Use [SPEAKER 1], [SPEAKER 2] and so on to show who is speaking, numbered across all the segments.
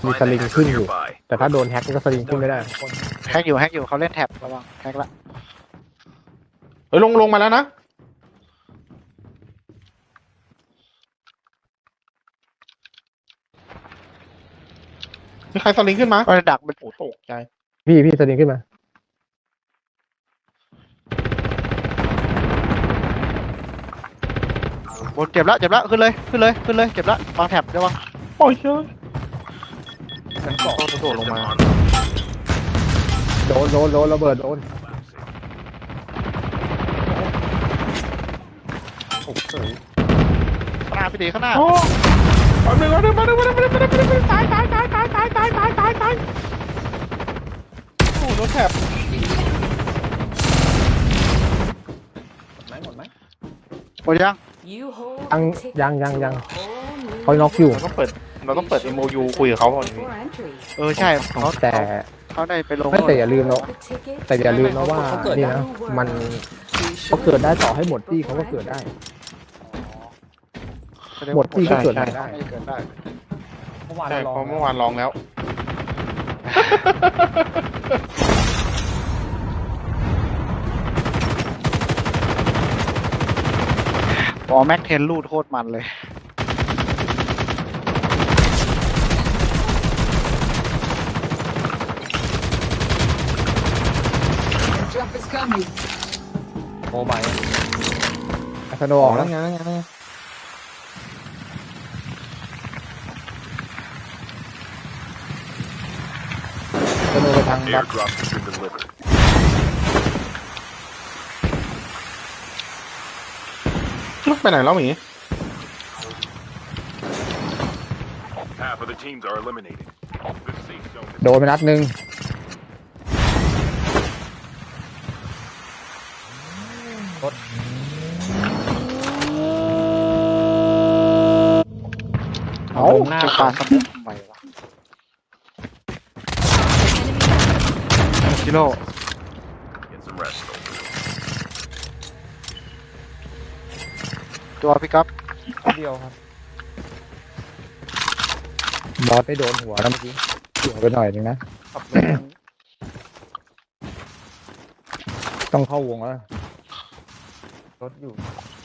[SPEAKER 1] มีสลิงขึ้นอยู่แต่ถ้าโดนแฮ็กก็สลิงขึ้นไม่ได้
[SPEAKER 2] แฮกอยู่เขาเล่นแท็บระวังแฮกละ
[SPEAKER 3] เฮ้ยลงมาแล้วนะมีใครสลิงขึ้นมา
[SPEAKER 2] ก็ดักมัน
[SPEAKER 3] โอ้ตกใจ
[SPEAKER 1] พี่สลิงขึ้นมา
[SPEAKER 2] บนเจ็บแล้วขึ้นเลยเจ็บแล้ววางแท็บระวัง
[SPEAKER 3] โอ้ยเฮ้ย
[SPEAKER 1] ชั้นสอง
[SPEAKER 3] กระโดดลงมา
[SPEAKER 1] โดนระเบิดโดน
[SPEAKER 3] โอ้โห
[SPEAKER 2] ข้างหน้าพี่ตีข้างหน้า
[SPEAKER 3] โอ้มาหนึ่งตายโอ้โดนแถบ
[SPEAKER 1] หมดไหม
[SPEAKER 2] หมดยัง
[SPEAKER 1] ยังเขาน็อกอยู่
[SPEAKER 3] เราต้องเปิด MOU คุยกับเขาก่อน
[SPEAKER 2] ใช่เขา
[SPEAKER 1] แต่
[SPEAKER 2] เขาได้ไปลง
[SPEAKER 1] ไม่แต่อย่าลืมนะว่านี่นะมันเขาเกิดได้ต่อให้หมดที่เขาก็เกิดได้ หมดที่ก็เกิดได้
[SPEAKER 2] ไม่เกิดได้
[SPEAKER 3] ใช่เพราะเมื่อวานลองแล้ว
[SPEAKER 2] อ๋อแม็กเทนลูดโคตรมันเลย
[SPEAKER 1] โอ้ไม่สโนออกแล้ว
[SPEAKER 3] ไง
[SPEAKER 1] สโนไปทางบัต
[SPEAKER 4] Airdrop has been delivered.
[SPEAKER 3] ไปไหนแล้วหมี
[SPEAKER 4] Half of the teams are eliminated. The safe zone is
[SPEAKER 1] โดนไปนัดหนึ่ง
[SPEAKER 2] เอาจะปาสมุกทำไมวะจิโร่
[SPEAKER 4] get some rest.
[SPEAKER 2] ตัวพี่ก๊อฟ
[SPEAKER 1] เดียวครับบอสไปโดนหัวแล้วเมื่อกี้หัวไปหน่อยนึงนะต้องเข้าวงแล้วรถอยู่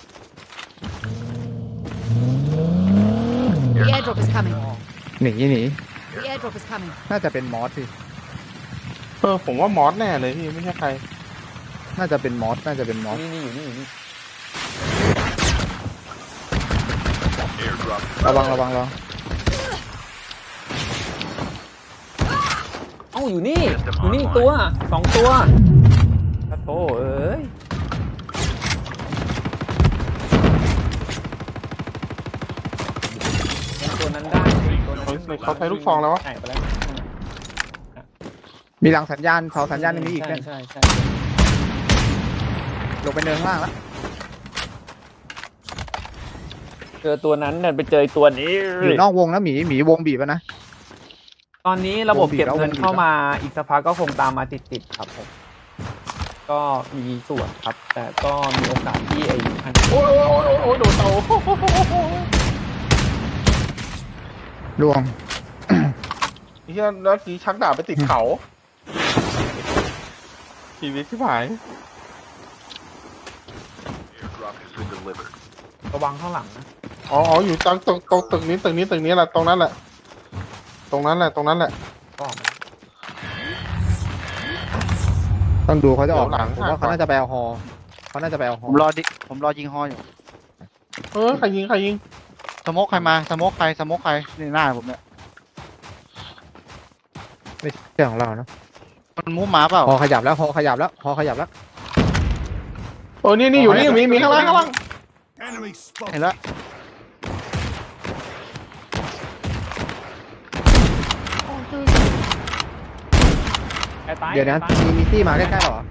[SPEAKER 5] The airdrop is coming.
[SPEAKER 1] หนี
[SPEAKER 5] The airdrop is coming.
[SPEAKER 1] น่าจะเป็นมอสสิ
[SPEAKER 3] ผมว่ามอสแน่เลยพี่ไม่ใช่ใคร
[SPEAKER 1] น่าจะเป็นมอส
[SPEAKER 4] Airdrop
[SPEAKER 1] ระวัง
[SPEAKER 6] เอ้าอยู่นี่อีกตัวสองตัวโอ้เอ้ยตัวนั้นได้ตัวนั้น
[SPEAKER 3] เขาใช้ลูกซองแล้ววะ
[SPEAKER 6] ใช่ไปแล้ว
[SPEAKER 1] มีหลังสัญญาณเสาสัญญาณมีอีกเนี่ย
[SPEAKER 6] ใช่
[SPEAKER 1] ลงไปเนินข้างล่างแล้ว
[SPEAKER 6] เจอตัวนั้นเนี่ยไปเจอตัวนี้
[SPEAKER 1] อยู่นอกวงนะหมีวงบีบแล้วนะ
[SPEAKER 6] ตอนนี้ระบบเก็บเงิน
[SPEAKER 1] วงบีบ
[SPEAKER 6] เข้ามาอีกสักพักก็คงตามมาติดครับผมก็มีส่วนครับ แต่ก็มีโอกาสที่ไอ้พัน
[SPEAKER 3] โอ้ยโดนเตา
[SPEAKER 1] ลวง
[SPEAKER 3] เฮียแล้วกี้ชักดาบไปติดเขาชีวิตที่หาย
[SPEAKER 4] airdrop has been delivered.
[SPEAKER 6] ระวังข้างหลังนะ
[SPEAKER 3] อ๋ออยู่ตรงตึกนี้แหละตรงนั้นแหละ
[SPEAKER 6] ก็ออกมา
[SPEAKER 1] ต้องดูเขาจะออก
[SPEAKER 3] เดี๋ยวหลัง
[SPEAKER 1] ผมว่าเขาน่าจะไปเอาฮอ
[SPEAKER 2] ผมรอยิงฮออยู่
[SPEAKER 3] ใครยิง
[SPEAKER 2] สโมกใครมาสโมกใครนี่หน้าผมเนี่ย
[SPEAKER 1] ไม่ใช่ของเรานะ
[SPEAKER 2] มันมุ้งหมาเปล่า
[SPEAKER 1] ฮอขยับแล้ว
[SPEAKER 3] นี่อยู่นี่มีข้างล่าง
[SPEAKER 4] Enemy
[SPEAKER 2] เห็นแล้ว
[SPEAKER 1] เดี๋ยวนะมีตี้มาใกล้ๆเหรอ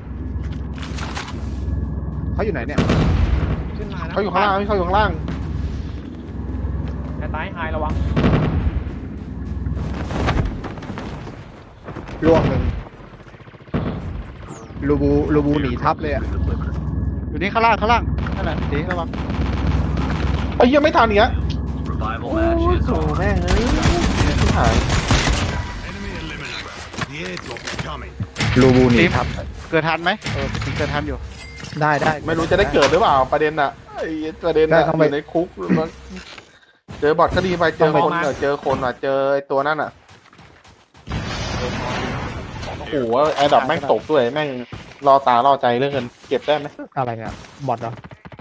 [SPEAKER 1] เขาอยู่ไหนเนี่ย
[SPEAKER 6] ขึ้นมานะ
[SPEAKER 3] เขาอยู่ข้างล่าง
[SPEAKER 6] แต่ตายหายระวัง
[SPEAKER 1] ล่วงหนึ่งลูบูหนีทับเลยอ่ะ
[SPEAKER 2] อยู่นี่ข้างล่างนั่นแหละตีระวัง
[SPEAKER 3] ไอ้เหี้ยไม่ทันอีกแล้ว
[SPEAKER 4] revival match is
[SPEAKER 3] โอ้
[SPEAKER 4] on.
[SPEAKER 3] แม่งที่หาย
[SPEAKER 4] coming.
[SPEAKER 1] รูบูหนีครับ
[SPEAKER 2] เกิดทันไหมเกิดทันอยู่
[SPEAKER 1] ได้ได้
[SPEAKER 3] ไม่รู้จะได้เกิดหรือเปล่าประเด็นน่ะไอ้ประเด็นน่ะ
[SPEAKER 1] ได้ต้อง
[SPEAKER 3] อ
[SPEAKER 1] ไป
[SPEAKER 3] ยู่ในคุกมันเจอบอทก็ดีไปเจอคนเจอคนเจอไอ้ตัวนั่นอ่ะโอ้โหแอร์ดรอปแม่งตกด้วยแม่งรอตารอใจเรื่องเงินเก็บได้ไหม
[SPEAKER 1] อะไรเนี่ยบอทเหรอ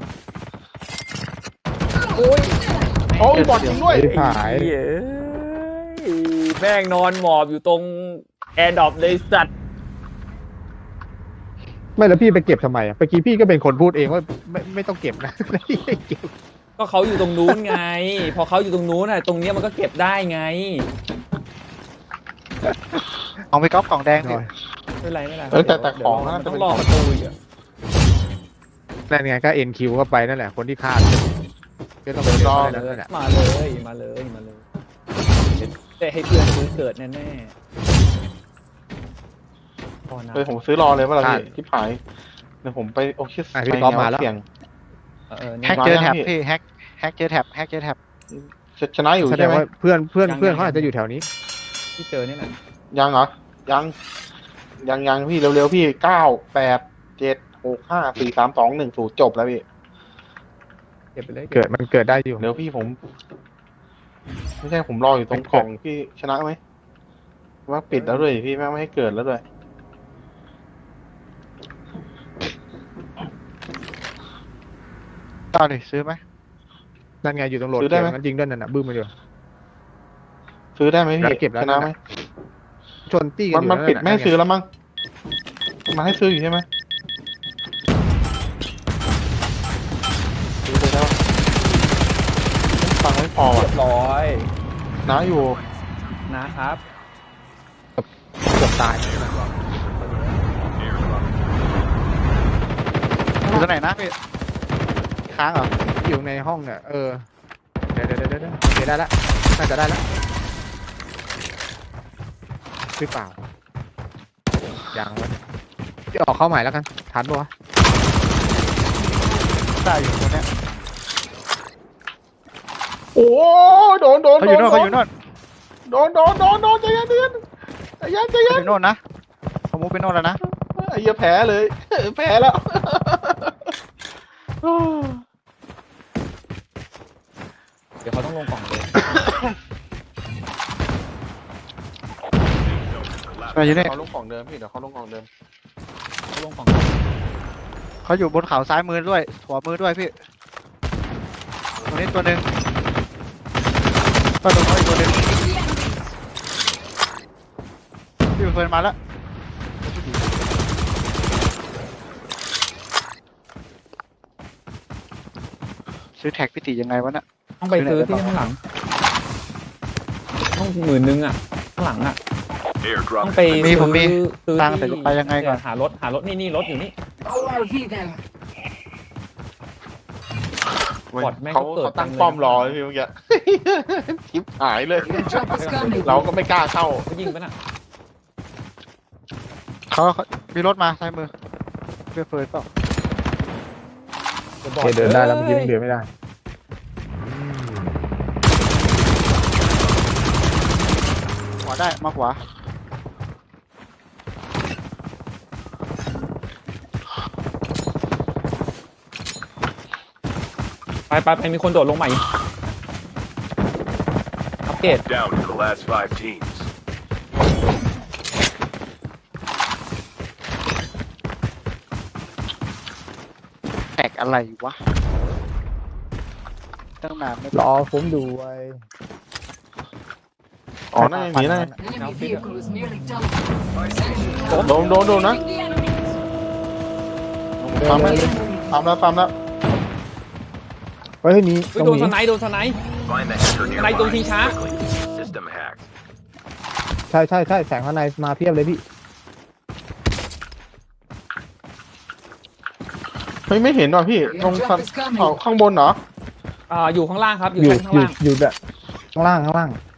[SPEAKER 3] โอ้ยบอทจริงด้วย
[SPEAKER 1] ไอ้ผาย
[SPEAKER 6] เย้แม่งนอนหมอบอยู่ตรงแอร์ดรอปเลยสัตว์
[SPEAKER 1] ไม่แล้วพี่ไปเก็บทำไมอ่ะเมื่อกี้พี่ก็เป็นคนพูดเองว่าไม่ต้องเก็บนะ ไม่ได้เก็บ
[SPEAKER 6] ก็เขาอยู่ตรงนู้นไง พอเขาอยู่ตรงนู้นน่ะตรงเนี้ยมันก็เก็บได้ไง
[SPEAKER 2] เอาไปก๊อปกล่องแดง
[SPEAKER 1] ห
[SPEAKER 2] ดิ
[SPEAKER 1] น่อย
[SPEAKER 6] ไม่เป็นไรไม่เป็นไร
[SPEAKER 3] แต่ของ
[SPEAKER 6] เดี๋ยว
[SPEAKER 3] น่าจะ
[SPEAKER 6] ต้อ
[SPEAKER 3] เป็
[SPEAKER 6] ง
[SPEAKER 3] น
[SPEAKER 6] รอประตูอีกอะ
[SPEAKER 1] นั่นไงก็ NQ เข้าไปนั่นแหละคนที่ฆ่าก็ต้องไปรอนั่นแหละ
[SPEAKER 6] มาเลยมาเลยมาเลยแต่ให้เพื่อนซื้อเกิดแน่ๆพอนะ
[SPEAKER 3] ผมซื้อรอเลยว่าเราที่ผายเดี๋ยวผมไปโอเค
[SPEAKER 1] พี่ก๊อฟมาแล้ว
[SPEAKER 3] เสี่ยง
[SPEAKER 6] เนี่
[SPEAKER 2] แฮ
[SPEAKER 6] ย
[SPEAKER 2] กเจอแท็บ
[SPEAKER 3] มายังพี่
[SPEAKER 2] พี่แฮกเจอแท็บแฮกเจอแท็บ
[SPEAKER 3] ชนะอยู่
[SPEAKER 1] แสด
[SPEAKER 3] ใช่
[SPEAKER 1] ง
[SPEAKER 3] ไหม
[SPEAKER 1] ว่าเพื่อนเขาอาจจะอยู่แถวนี้
[SPEAKER 6] ที่เจอนี่แหละ
[SPEAKER 3] ยังเหรอยังพี่เร็วๆพี่9 8 7 6 5 4 3 2 1 0จบแล้วพี่
[SPEAKER 6] เก็บไปเลย
[SPEAKER 1] มันเกิดได้อยู่
[SPEAKER 3] เดี๋ยวพี่ผม ไม่ใช่ผมรออยู่ตรงกล่องพี่ชนะไหมว่าปิดแล้วด้วยพี่แม่งไม่ให้เกิดแล้วด้วย
[SPEAKER 2] ต่อดิซื้อไหม
[SPEAKER 1] นั่นไงอยู่ตรงโหลด
[SPEAKER 3] ซื้อได้
[SPEAKER 1] เกม
[SPEAKER 3] ไหม
[SPEAKER 1] นั้นยิงด้วยนั่นน่ะบึ้มมาอยู่
[SPEAKER 3] ซื้อได้ไหมพี่
[SPEAKER 1] เก็บแล้ว
[SPEAKER 3] ชนะไหม
[SPEAKER 1] ชนตี้กันอยู่
[SPEAKER 3] มันปิดไม่ให้ซื้อแล้วมั้งมาให้ซื้ออยู่ใช่ไหมซื้อเลยแล้วฟังไม่พอ
[SPEAKER 6] เรียบร้อย
[SPEAKER 3] นะอยู่
[SPEAKER 6] นะครับ
[SPEAKER 1] เกือบตาย
[SPEAKER 2] อยู่ตรงไหนนะพี่ค้างเหรอ
[SPEAKER 1] อยู่ในห้องเนี่ยเดี๋ยวโอเคได้แล้วน่าจะได้แล้วหรือเปล่ายังวะเดี๋ยวออกเข้าใหม่แล้วกันทันปะวะ
[SPEAKER 2] ได้อยู่ตรงเนี้ย
[SPEAKER 3] โอ้โดน
[SPEAKER 2] เขาอยู่โน่นเขาอยู่โน่น
[SPEAKER 3] โดนใจเย็นใจเย็น
[SPEAKER 2] เขาอยู่โน่นนะเขามุกไปโน่นแล้วนะ
[SPEAKER 3] ไอ้เหี้ยแพ้เลยแพ้แล้ว
[SPEAKER 6] เดี๋ยวเขาต้องลงกล่องเลย
[SPEAKER 2] มาอยู่นี่
[SPEAKER 3] เขาลงของเดิมพี่เดี๋ยวเขาลงของเดิม
[SPEAKER 6] เขาลงกล่อง
[SPEAKER 2] เขาอยู่บนเขาซ้ายมือด้วยขวามือด้วยพี่ตรงนี้ตัวหนึ่งก็ตรงนี้นอีกตัวหนึ่งพี่เฟิร์นมาแล้วซื้อแท็กพี่ติยังไงวะน่ะ
[SPEAKER 6] ต้องไปซื้อที่ข้างหลังต้อง10,000อ่ะข้างหลังอ่ะ
[SPEAKER 4] Airdrop
[SPEAKER 6] ต้องไป
[SPEAKER 2] ผมมี
[SPEAKER 6] ซื้อ
[SPEAKER 2] ตังค์แต่ไปยังไงก่อน
[SPEAKER 6] หารถนี่รถอยู่นี่ บอทแม่งก็
[SPEAKER 3] เขา
[SPEAKER 6] เกิด
[SPEAKER 3] ตั้ง
[SPEAKER 6] เต็มเลย
[SPEAKER 3] ป้อมรอเลยพี่เมื่อกี้ ชิปหายเลย
[SPEAKER 5] Airdrop is coming.
[SPEAKER 3] เราก็ไม่กล้าเข้า
[SPEAKER 6] เขายิงปะน่ะ
[SPEAKER 2] เขามีรถมาซ้ายมือเพื่อเฟิร์นเปล่า
[SPEAKER 1] โอเคเดินได้แล้วเมื่อกี้ยังเดินไม่ได้
[SPEAKER 2] ขวาได้มาขวา
[SPEAKER 6] ไปมีคนโดดลงใหม่อัปเกรด
[SPEAKER 4] down to the last 5 teams.
[SPEAKER 2] แท็กอะไรวะตั้งนานไม่
[SPEAKER 1] รอผมดูไว้
[SPEAKER 3] อ๋อนั่นอย่างนี้นะ
[SPEAKER 5] Enemy vehicle is nearly done.
[SPEAKER 3] โดนนะปั๊มแล้ว
[SPEAKER 1] เฮ้ยนี่ตรง
[SPEAKER 6] โดน
[SPEAKER 1] นี้
[SPEAKER 6] สไนด์
[SPEAKER 4] Find the hacker nearby.
[SPEAKER 6] Này, tụi thi xá.
[SPEAKER 4] Quickly. System hacked.
[SPEAKER 1] ใช่แสงข้างในมาเพียบเลยพี่
[SPEAKER 3] ไม่เห็นว่ะพี่ตรงข้างบนเหรอ
[SPEAKER 6] อยู่ข้างล่างครับ อยู่
[SPEAKER 1] อยู่
[SPEAKER 6] ชั้นข้างล่าง
[SPEAKER 1] อยู่แบบข้างล่าง